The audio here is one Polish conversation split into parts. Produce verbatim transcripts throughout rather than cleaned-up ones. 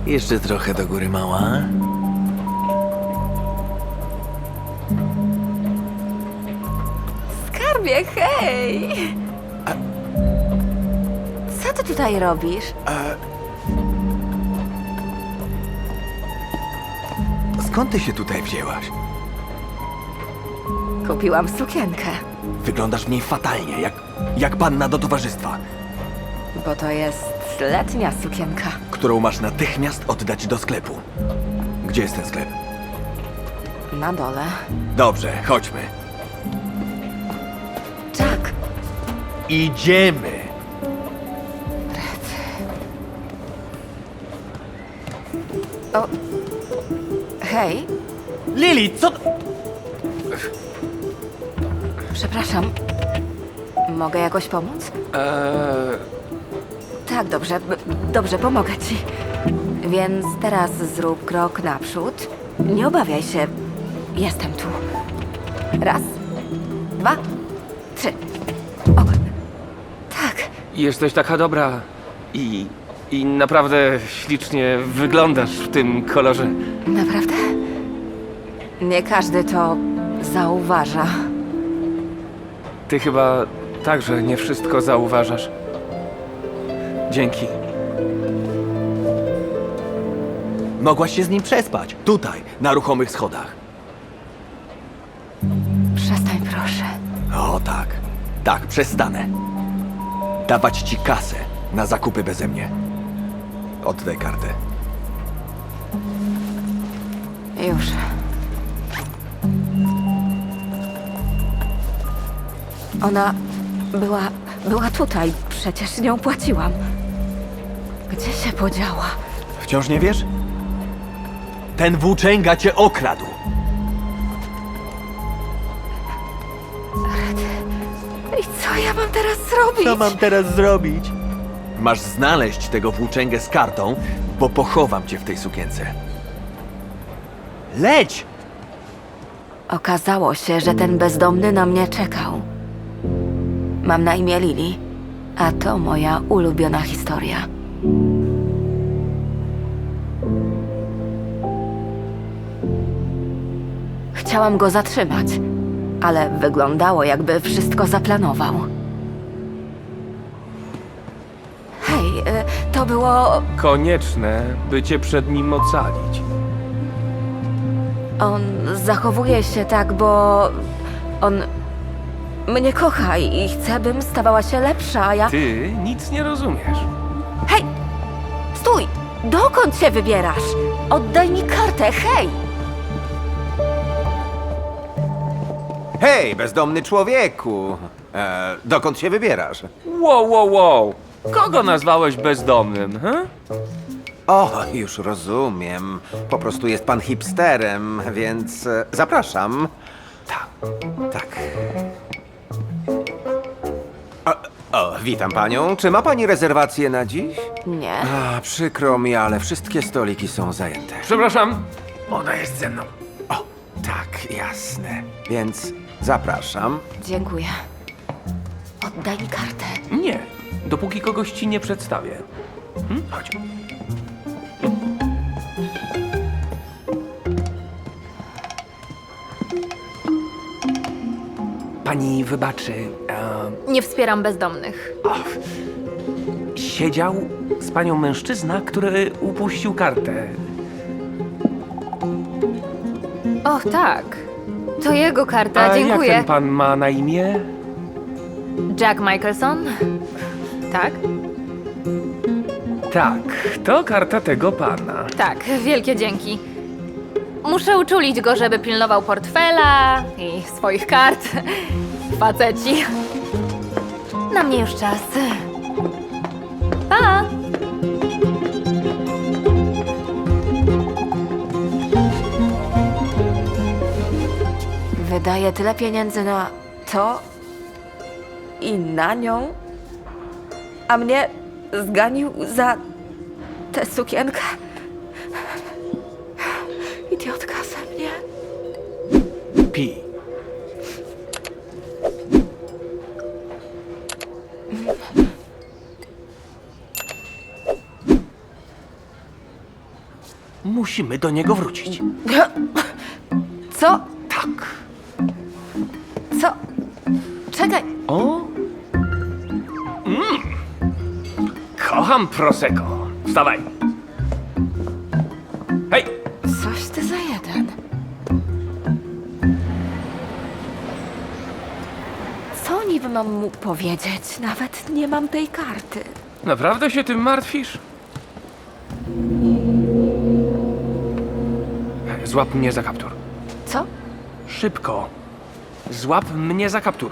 Jeszcze trochę do góry, mała. Skarbie, hej! Co ty tutaj robisz? Skąd ty się tutaj wzięłaś? Kupiłam sukienkę, Wyglądasz w niej fatalnie, jak, jak panna do towarzystwa, bo to jest letnia sukienka. którą masz natychmiast oddać do sklepu. Gdzie jest ten sklep? Na dole. Dobrze, chodźmy. Jack, Idziemy! o... Hej, Lili, co... przepraszam. Mogę jakoś pomóc? Eee, Tak, dobrze, b- dobrze, pomogę ci. Więc teraz zrób krok naprzód. Nie obawiaj się. Jestem tu. Raz, dwa, trzy. O, tak. Jesteś taka dobra i, i naprawdę ślicznie wyglądasz w tym kolorze. Naprawdę? Nie każdy to zauważa. Ty chyba także nie wszystko zauważasz. Dzięki. mogłaś się z nim przespać. Tutaj, na ruchomych schodach. Przestań, proszę. O tak, tak, przestanę. Dawać ci kasę na zakupy beze mnie. Oddaj kartę. Już. Ona była... była tutaj. Przecież nią płaciłam. Gdzie się podziała? Wciąż nie wiesz? Ten włóczęga cię okradł. I co ja mam teraz zrobić? teraz zrobić? Masz znaleźć tego włóczęgę z kartą, bo pochowam cię w tej sukience. Leć! Okazało się, że ten bezdomny na mnie czekał. Mam na imię Lili, a to moja ulubiona historia. Chciałam go zatrzymać, ale wyglądało, jakby wszystko zaplanował. Hej, y, to było... Konieczne, by cię przed nim ocalić. On zachowuje się tak, bo on mnie kocha i chce, bym stawała się lepsza, a ja... Ty nic nie rozumiesz. Hej! Stój! Dokąd się wybierasz? Oddaj mi kartę, hej! Hej, bezdomny człowieku! E, dokąd się wybierasz? Wow, wow, wow. Kogo nazwałeś bezdomnym, he? O, już rozumiem. Po prostu jest pan hipsterem, więc e, zapraszam. Tak, tak. O, o, witam panią. Czy ma pani rezerwację na dziś? Nie. A, przykro mi, ale wszystkie stoliki są zajęte. Przepraszam, ona jest ze mną. O, tak, jasne. Więc zapraszam. Dziękuję. Oddaj mi kartę. Nie, dopóki kogoś ci nie przedstawię. Hm? Chodź. Pani wybaczy, e, Nie wspieram bezdomnych. siedział z panią mężczyzna, który upuścił kartę. Och, tak. To jego karta, A dziękuję. jak ten pan ma na imię? Jack Michelson? Tak? Tak, to karta tego pana. Tak, wielkie dzięki. Muszę uczulić go, żeby pilnował portfela i swoich kart. Faceci. Na mnie już czas. Pa! Wydaje tyle pieniędzy na to i na nią, a mnie zganił za tę sukienkę. Idiotka ze mnie. Pi. Musimy do niego wrócić. Co? Tak. Co? Czekaj. O? Mm. Kocham Prosecco. Wstawaj. Hej! Coś ty za jeden. Co niby mam mu powiedzieć? Nawet nie mam tej karty. Naprawdę się tym martwisz? Złap mnie za kaptur. Co? Szybko. Złap mnie za kaptur.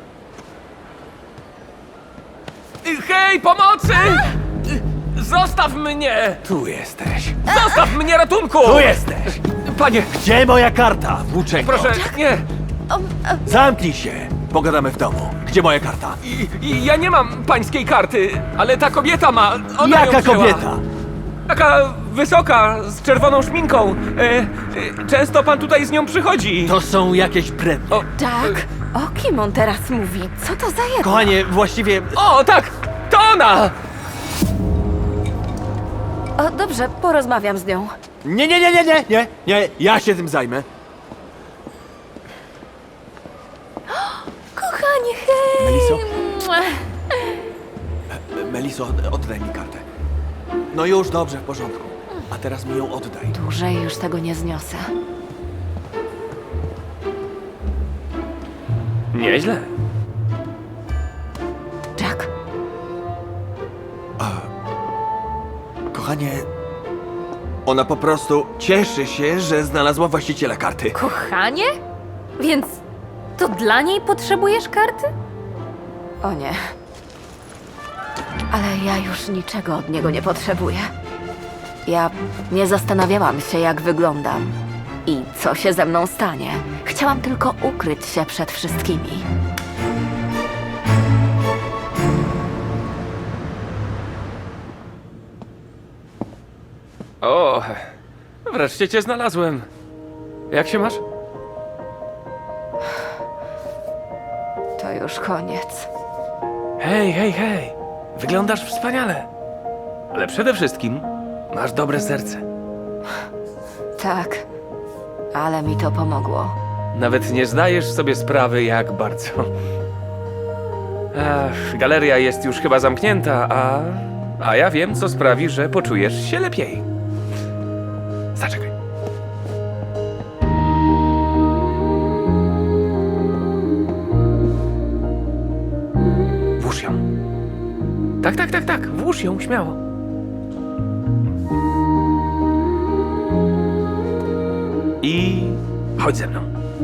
Hej, pomocy! Zostaw mnie! Tu jesteś. Zostaw mnie, ratunku! Tu jesteś! Panie, Gdzie moja karta, włóczęgo? proszę, nie! Zamknij się! Pogadamy w domu. Gdzie moja karta? I, i ja nie mam pańskiej karty, ale ta kobieta ma. Ona Jaka ją wzięła. kobieta? Taka wysoka, z czerwoną szminką. E, e, często pan tutaj z nią przychodzi. To są jakieś brednie. O, Tak? O kim on teraz mówi? Co to za jeden? Kochanie, właściwie... o, tak! To ona! O, dobrze, porozmawiam z nią. Nie, nie, nie, nie, nie, nie, nie, ja się tym zajmę. Kochanie, hej! Meliso? Mua. Meliso, od- oddaj mi kartę. No już, dobrze, w porządku. A teraz mi ją oddaj. Dłużej już tego nie zniosę. Nieźle. Jack, Kochanie, ona po prostu cieszy się, że znalazła właściciela karty. Kochanie? Więc to dla niej potrzebujesz karty? o nie. Ale ja już niczego od niego nie potrzebuję. Ja nie zastanawiałam się, jak wyglądam i co się ze mną stanie. Chciałam tylko ukryć się przed wszystkimi. O, wreszcie cię znalazłem. Jak się masz? To już koniec. Hej, hej, hej. Wyglądasz wspaniale. Ale przede wszystkim masz dobre serce. Tak, ale mi to pomogło. Nawet nie zdajesz sobie sprawy, jak bardzo. Ach, galeria jest już chyba zamknięta, a... A ja wiem, co sprawi, że poczujesz się lepiej. Zaczekaj. Włóż ją. Tak, tak, tak, tak. Włóż ją, śmiało. I... chodź ze mną.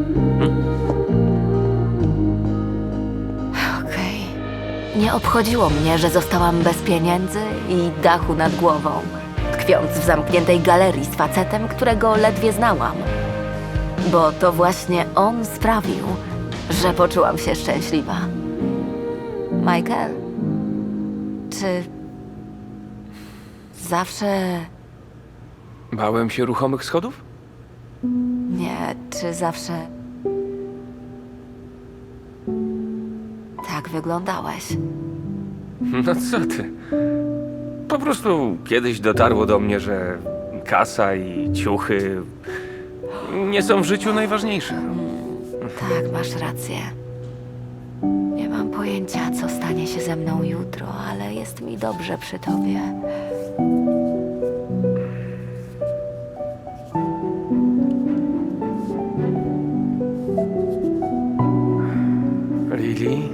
Okej. Nie obchodziło mnie, że zostałam bez pieniędzy i dachu nad głową, tkwiąc w zamkniętej galerii z facetem, którego ledwie znałam. Bo to właśnie on sprawił, że poczułam się szczęśliwa. Michael, czy zawsze Bałem się ruchomych schodów? nie, czy zawsze tak wyglądałeś? No co ty? Po prostu kiedyś dotarło do mnie, że kasa i ciuchy nie są w życiu najważniejsze. Tak, masz rację. Nie mam pojęcia, co stanie się ze mną jutro, ale jest mi dobrze przy tobie. Lili,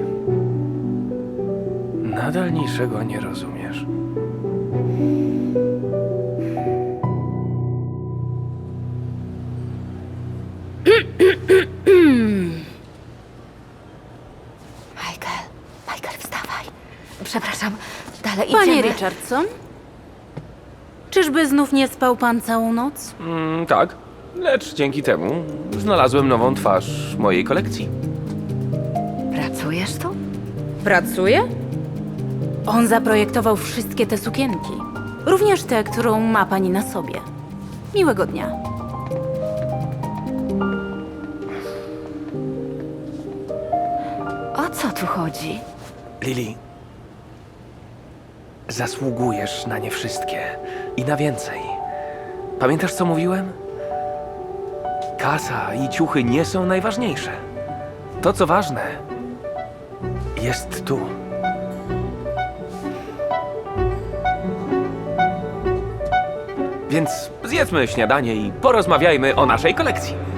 nadal niczego nie rozumiesz. Michael, Michael, wstawaj. Przepraszam, dalej Panie idziemy. Richardson? Czyżby znów nie spał pan całą noc? Mm, tak, lecz dzięki temu znalazłem nową twarz mojej kolekcji. Pracujesz tu? Pracuje? On zaprojektował wszystkie te sukienki. Również tę, którą ma pani na sobie. Miłego dnia. O co tu chodzi? Lili, zasługujesz na nie wszystkie i na więcej. Pamiętasz, co mówiłem? Kasa i ciuchy nie są najważniejsze. To, co ważne, jest tu. Więc zjedzmy śniadanie i porozmawiajmy o naszej kolekcji.